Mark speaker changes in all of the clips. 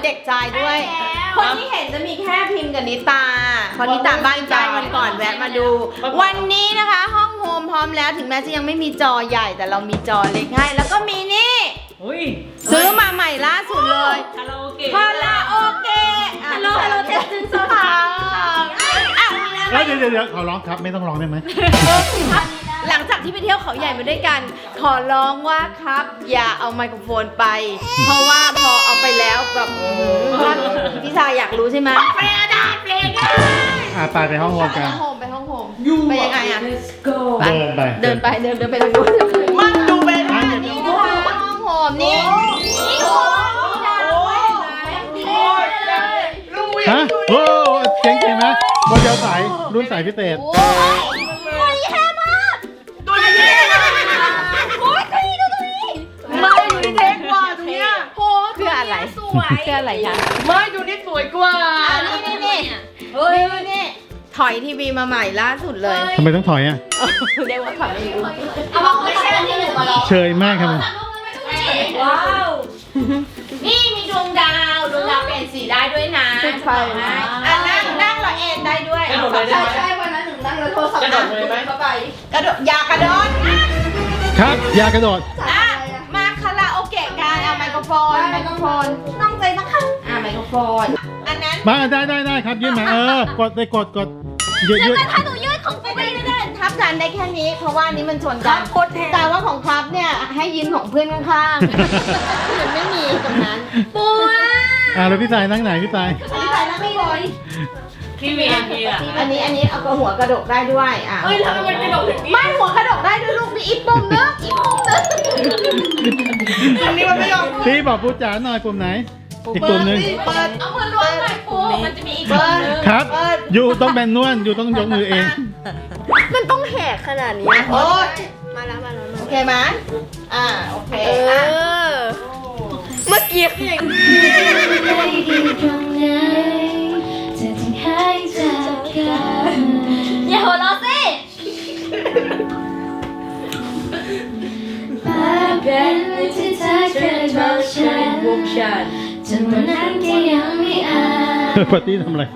Speaker 1: เด็กชายด้วยคนที่เห็นจะมีแค่พิมพ์กับนิตาพอนิตาบ้านใจวันก่อนแวะมาดูวันนี้นะคะห้องโฮมพร้อมแล้วถึงแม้จะยังไม่มีจอใหญ่แต่เรามีจอเล็กให้แล้วก็มีนี่ซื้อมาใหม่ล่าสุดเลยคาราโอเกะฮัลโหลเทสติ้งโซฟา
Speaker 2: เดี๋ยวขอร้องครับไม่ต้องร้องได้ไหม
Speaker 1: หลังจากที่ไปเที่ยวเขาใหญ่มาด้วยกันขอร้องว่าครับอย่าเอาไมโครโฟนไปเพราะว่าพอเอาไปแล้วแบบพี่ชายอยากรู้ใช่ไหมไป
Speaker 2: ไปห้องโฮมกัน
Speaker 1: ไปห้องโฮมไปยังไงอ่ะเดินไปทางนู้นมันดูไปทางนี้นะคะห้องโฮมนี่
Speaker 2: ฮะโอ้เจ๋งๆนะโมเดลสายรุ่นสายพิเศษ
Speaker 1: ตัวนี้แย่มากตัวนี้โอ้ยตัวนี้ไม่ดูนี่เท่กว่าตรงเนี้ยโอ้คืออะไรสวยคืออะไรคะไม่ดูนี่สวยกว่านี่ถอยทีวีมาใหม่ล่าสุดเลย
Speaker 2: ทำไมต้องถอยอ่ะ
Speaker 1: เรียกว่าถอยไม่รู้
Speaker 3: ไม่ใช่ที่หนูมาลอง
Speaker 2: เชยมากครับ
Speaker 1: ว้าวนี่มีดวงดาวเปลี่ยนสีได้ด้วยนะติดไฟนะนั่งเราเอนได้ด้วย
Speaker 3: ใช่วันนั้นหนึ่งนั่งแล้วโทรศัพท์กระโดดเลยไหมเข้าไป
Speaker 1: กระโดดอย่ากระโดด
Speaker 2: ครับอย่ากระโดด
Speaker 1: มาคาราโอเกะกันเอาไมโครโฟนต้องใจนะคะไมโครโฟนอันนั้น
Speaker 2: มาได้ครับยื่นมากดยืด
Speaker 1: ถ้าหนูยืดของไปได้ทับกันได้แค่นี้เพราะว่านี้มันชนกันแต่ว่าของครับเนี่ยให้ยืนของเพื่อนข้างๆมันไม่มีตรงนั้นปัว
Speaker 2: แล้วพี่สายนั่งไหนพี่สาย
Speaker 1: นั่งไม่เลย
Speaker 3: ที่มีอัน
Speaker 1: นี้เอาหัวกระดกได้ด้วย
Speaker 3: เฮ้ยทำไมมันกระดกถึงนี้
Speaker 1: ไม่หัวกระดกได้ด้วยลูกมีอีกปุ่มนึงอันนี้มันไม่ยอม
Speaker 2: พี่บอกปูจ๋าหน่อยปุ่มไหนอีกปุ่มนึง
Speaker 1: เปิด
Speaker 3: เอามือล้วงหน่อยปูมันจะมีอีกปุ่มนึง
Speaker 2: ครับอยู่ต้องแบนนวลอยู่ต้องยกมือเอง
Speaker 1: มันต้องแหกขนาดนี้โอ้ยมาแล้วโอเคไหมโอเคเมื่อกี้อย่าง
Speaker 3: อย่าหัวเราะสิเป็นที่เธอเคยบอกฉันจนวันนั้นก็ยังไม่อา
Speaker 2: ปาร์ตี้ทำอะไร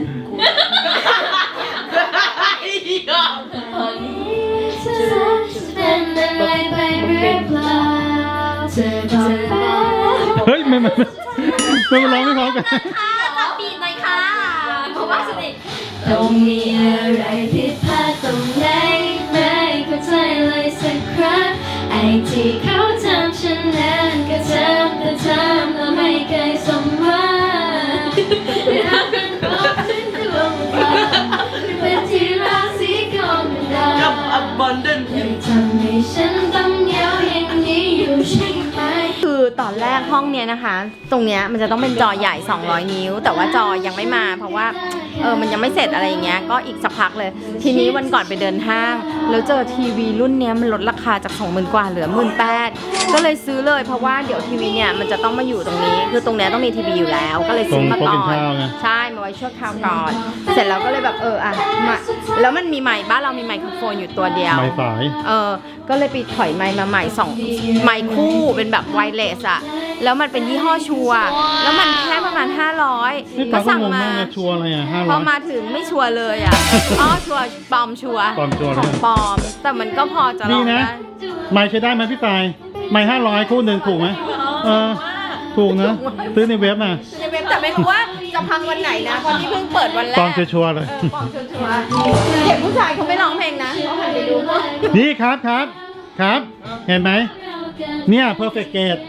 Speaker 2: เฮ้ยไม่ร้องไม่พร้อมกัน
Speaker 3: ตัดปีนหน่อยค่ะเพราะว่าสนิทต้องมีอะไรผิดพลาดตรงไหนไม่เข้าใจเลยสักครั้งไอ้ที่เขาทำฉันนั้นก็ทำแล้วไม่เคยสมหวังรักกันครบถึงดวงดาวเป็นที่ราศีของดาวกับ abundant ยังทำให้ฉันต้องเหงาอย่างนี้อยู่ใช่ไหม
Speaker 1: คือตอนแรกห้องเนี้ยนะคะตรงเนี้ยมันจะต้องเป็นจอใหญ่200นิ้วแต่ว่าจอยังไม่มาเพราะว่ามันยังไม่เสร็จอะไรอย่างเงี้ยก็อีกสักพักเลยทีนี้วันก่อนไปเดินห้างแล้วเจอทีวีรุ่นเนี้ยมันลดราคาจาก 20,000 กว่าเหลือ 18,000 ก็เลยซื้อเลยเพราะว่าเดี๋ยวทีวีเนี่ยมันจะต้องมาอยู่ตรงนี้คือตรงเนี้ยต้องมีทีวีอยู่แล้วก็เลยซื้อมาก่อนใช่มาไว้ชั่วคราวก่อนเสร็จแล้วก็เลยแบบมาแล้วมันมีไมค์บ้านเรามีไมโครโฟนอยู่ตัวเดียว
Speaker 2: ไมค์สาย
Speaker 1: ก็เลยไปถอยไมค์มาใหม่2ไมค์คู่เป็นแบบไวเลสอะแล้วมันเป็นยี่ห้อชัวแล้วมันแค่ประมาณ500ก็สั่งมา
Speaker 2: ชัวอะไร500
Speaker 1: พอมาถึงไม่ชัวเลยชัวปลอมชัวปลอมแต่มันก็พอจะลองได้
Speaker 2: ไมค์ใช้ได้ไหมพี่ตายไมค์500คู่หนึ่งถูกไหมถูกนะซื้อในเว็บมา
Speaker 1: ในเว็บแต่ไม่รู้ว่าจะพังวันไหนนะคนที่เพิ่งเปิดวันแรก
Speaker 2: ปลอมชัวร์เลย
Speaker 1: ปลอมชัวร์เด็กผู้ชายเขาไม่ร้องเพลงนะเขาหันไปดู
Speaker 2: นี่ครับเห็นไหมเนี่ย perfect gate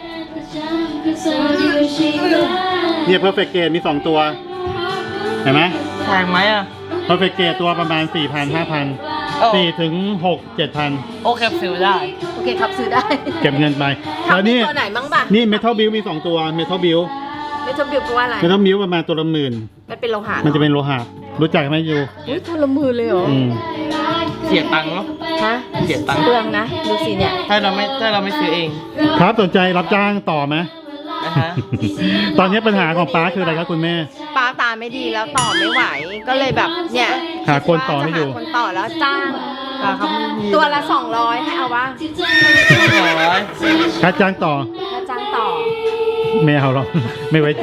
Speaker 2: เนี่ย perfect gate มี2ตัวเห็นไหม
Speaker 4: แพงไหม
Speaker 2: perfect gate ตัวประมาณ 4,000-5,000 4 ถึง 6 7,000
Speaker 4: โอเคซื้อได้
Speaker 1: โอเคครับซื้อได้
Speaker 2: เก็บเงินไป
Speaker 1: แล้วนี่ตัวไหนบ้างป่ะ
Speaker 2: นี่ metal build มี2ตัว metal build
Speaker 1: แปลว่าอะไร
Speaker 2: metal build ประมาณตัวละ10,000
Speaker 1: มันเป็นโลหะ
Speaker 2: มันจะเป็นโลหะรู้จักไหมยู
Speaker 1: ตัวละ10,000เลยเหรอ
Speaker 4: เสียตังค์เนาะเสียตังค์
Speaker 1: เปลืองนะดูสิเนี่ย
Speaker 4: ถ้าเราไม่ซื้อเอง
Speaker 2: ครับสนใจรับจ้างต่อไหมตอนนี้ปัญหาของป้าคืออะไรครับคุณแม่
Speaker 1: ป้าตาไม่ดีแล้วต่อไม่ไหวก็เลยแบบเนี่ย
Speaker 2: หาคนต่อให้อยู่
Speaker 1: คนต่อแล้วจ้างตัวละ200ให้เอาวะ
Speaker 4: 200
Speaker 2: ค่าจ้างต่อ
Speaker 1: ค่าจ้างต่อ
Speaker 2: ไม่เอาหรอก ไม่ไว้ใจ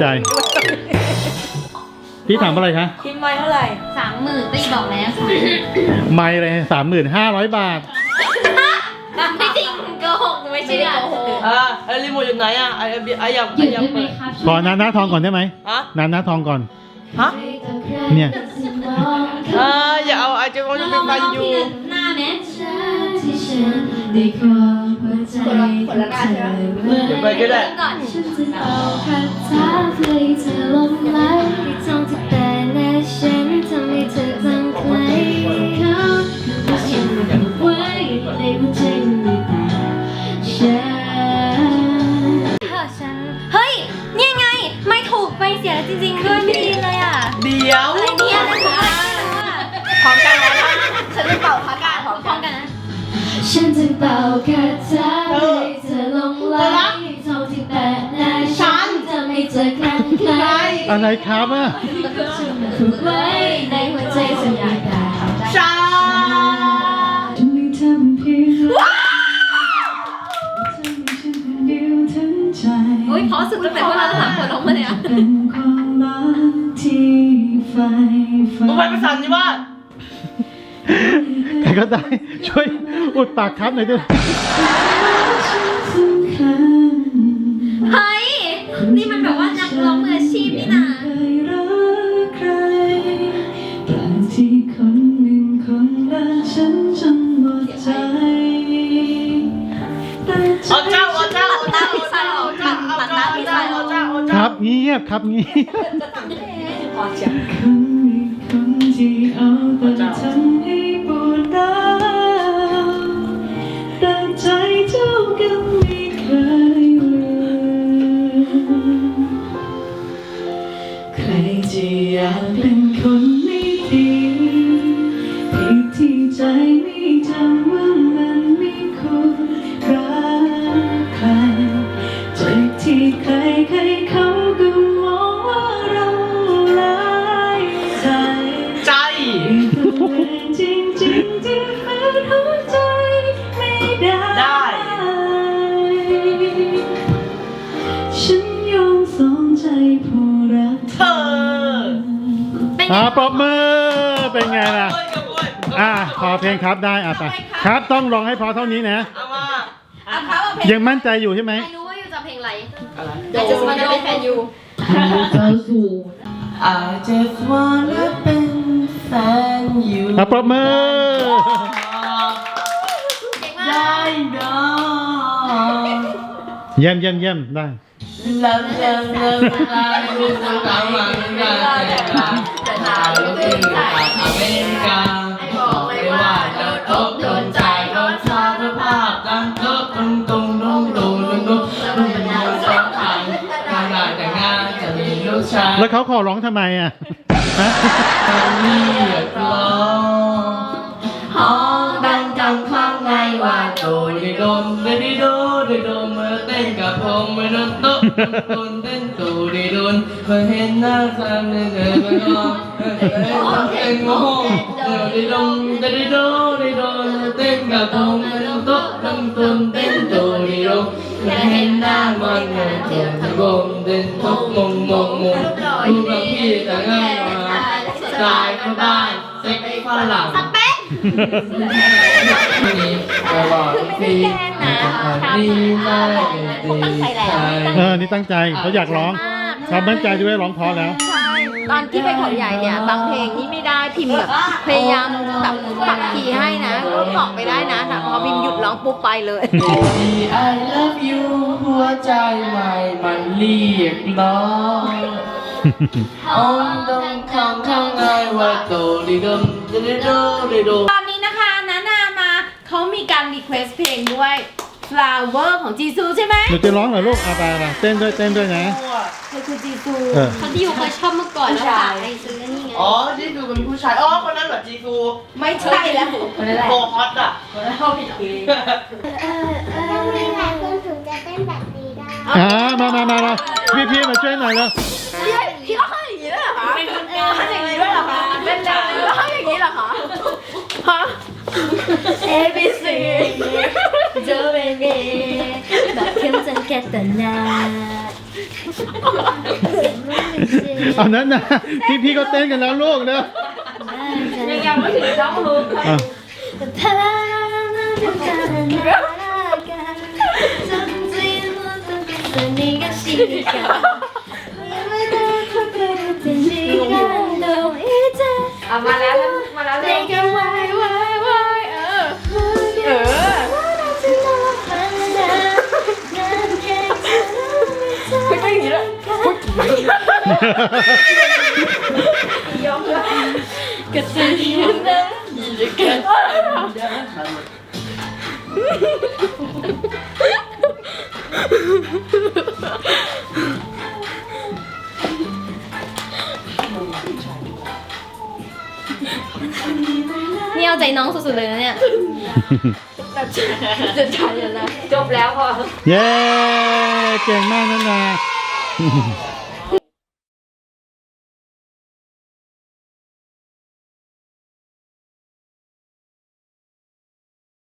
Speaker 2: พี่ถามอะไรคะ
Speaker 1: คิมไว้เท่าไหร่
Speaker 3: 30,000ตีบอกแล้วค่ะ
Speaker 2: ไม่เลย35,000 บาท
Speaker 3: ไม่จริงโกหกไม่ใช่โกหก
Speaker 4: ไอ้รีโมทอยู่ไหนอ่ะไอ้อยาก
Speaker 3: หยุดได้ไหม
Speaker 4: เปิด
Speaker 3: ครับ
Speaker 2: ขอนาหน้าทองก่อนได้ไหม
Speaker 4: ฮะ
Speaker 2: นาหน้าทองก่อน
Speaker 4: ฮะ
Speaker 2: เนี่ย
Speaker 4: อย่าเอาไอ้เจ้าคนที่เป็นฟันอยู่
Speaker 3: หน้าแม่ที่ฉันได้ครองหัวใจของเธอเมื่อ
Speaker 4: เดี๋ยวไปก็ได้
Speaker 3: ก่อนฉันจะเอาคาถาเพลงเธอลงไหลท่องที่แต่หน้าฉันทำให้เธอจำใครเขาคือฉันผูกไว้ในหัวใจไม่ต่างฉันเฮ้ยเนี่ยไงไม่ถูกไปเสียจริงๆด้วยไม่ดีเลยอ่ะ
Speaker 4: เดี๋ยว
Speaker 3: อะไรเนี่ยอะไรของมัน
Speaker 1: พร้อมกันแล้วนะฉันจะเป่าคาถาพร้อม
Speaker 3: พร้อมกันนะฉันจะเป่าคาถาให้เธอลงไหลท่องที่แต่หน้าฉันทำให้เธอคลั่งไคล้
Speaker 2: อะไรครับอ่ะ
Speaker 3: ผูกไว้ในหัวใจสัญญาได้
Speaker 4: ช้า
Speaker 3: อุ้ยเพราะสุดตั้งแต่พวกเราสามคนร้องมาเลยอ่ะ
Speaker 4: มึงไปประสานที่บ้าน
Speaker 2: ใครก็ได้ ช่วยอุดปากครับหน่อยด้วย
Speaker 3: เฮ้ยนี่มันแบบว่านักร้องมืออาชีพนี่นะ
Speaker 4: เอาเจ้าเอาเจ้า
Speaker 1: ตัดหน้าพี่ชายออกตัดหน้าพี่ชายออก
Speaker 2: ครับเงียบครับเงียบ
Speaker 1: พอเชียว
Speaker 5: ใครจะอยากเป็นคนไม่ดีผิดที่ใจไม่จำว่ามันไม่ควรรักใครจากที่ใครเขาก็มองว่าเราร้ายใจ
Speaker 4: ใจ
Speaker 5: ตัวเองจริงๆที่ฝืนหัวใจไม่ได้ ฉันยอมสองใจผู้รักเธอ
Speaker 2: ปรบมือเป็นไงล่ะ พอเพลงครับได้ไปครับต้องร้องให้พอเท่านี้นะ
Speaker 4: เอามา
Speaker 1: เอาเขาเอาเพลง
Speaker 2: ยังมั่นใจอยู่ใช่ไหม
Speaker 3: ไม่รู้ว่าอยู่จะเพลงอะไร
Speaker 1: เดี๋ยวจะมาเป็นแฟนยู
Speaker 4: I just wanna เป็นแฟนอยู่
Speaker 2: ปรบมือ
Speaker 3: เก่งมา
Speaker 4: ได้
Speaker 3: ก
Speaker 4: ดอก
Speaker 2: เยี่ยมได้
Speaker 4: ลาลาลาลาลูกสาวกำลังการแต่งงานแต่ถ้าลูกถึงจากอเมริกาบอกเลยว่าโดนอกโดนใจโดนสารภาพกันตุ้งตุ้งตุ้งตุ้งตุ้งตุ้งตุ้งตุ้งสองทางทางได้แต่งงานจะมีลูกชาย
Speaker 2: แล้วเขาขอร้องทำไมอ่ะฮะ
Speaker 4: เรียกร้องห้องดังจังข้างในว่าโดดิโดมเดดิโดดิโดมมาเต้นกับผมไม่โดนโต๊ะคนเต้นตูดิโดนมาเห็นหน้าตาเดินไปก็เต้นโง่เดดิโดมเดดิโดดิโดนเต้นกับผมไม่โดนโต๊ะคนเต้นตูดิโดมาเห็นหน้ามันเดินเต้นผมเต้นทุกมงรูปแบบพี่แต่ง่ายมาสไตล์เขาได้เซ็กฝรั่งนี่ก็บอกพี่นี่น่าดีใจ
Speaker 2: นี่ตั้งใจเขาอยากร้องเขามั่นใจด้วยร้องเพอแล้ว
Speaker 1: ตอนที่ไปเขาใหญ่เนี่ยบางเพลงนี่ไม่ได้พิมพ์แบบพยายามแบบปรับคีย์ให้นะก็ตอบไปได้นะแต่พอพิมพ์หยุดร้องปุ๊บไปเลย
Speaker 4: I love you หัวใจใหม่มันเรียกร้ององตรงข้างในว่าโตดิดมดิโดดิโด
Speaker 1: ตอนนี้นะคะนามาเขามีการรีเควสเพลงด้วย Flower ของจีซูใช่ไหม
Speaker 2: หนูจะร้องเหรอลูกไปเต้นด้วยนะ
Speaker 1: เธอคือจีซู
Speaker 3: เขาที่อยู่เคยชอบเมื่อก่อนแล้วฝากไปซื้อนี่ไง
Speaker 4: อ๋อที่ดูเป็นผู้ชายอ๋อคนนั้นเหรอจีซู
Speaker 1: ไม่ใช่แล้ว
Speaker 4: โกฮอตอ่ะ
Speaker 1: เขาผิดเพลง
Speaker 6: ต้องมีหลายคนถึงจะเต้นแบบนี้ได้
Speaker 2: มาพี่มาช่วยหน่อยแล้ว
Speaker 1: พี่เขาให้อย่างนี้ด้วยเหรอคะให้อย่างนี้ด้วยเหรอคะเล่นแล้วให้อย่างนี้เหรอคะฮะ
Speaker 3: A B C เจอเบบีแบบเข้มจนแก่แต่หน้า
Speaker 2: เอานั้นนะพี่ก็เต้นกันแล้วลูกเนอะ
Speaker 1: ยังไม่ถึงเจ้าลูก
Speaker 2: อ่ะ
Speaker 1: เอามาแล้วมาแล้วเลยไม่ใช่อย่างนี้เลยกระตือรือร้น
Speaker 3: นี่เอาใจน้องสุดๆเลยนะเนี่ย
Speaker 1: จบแล้วพอ
Speaker 2: เย้ เก่งมากนะนา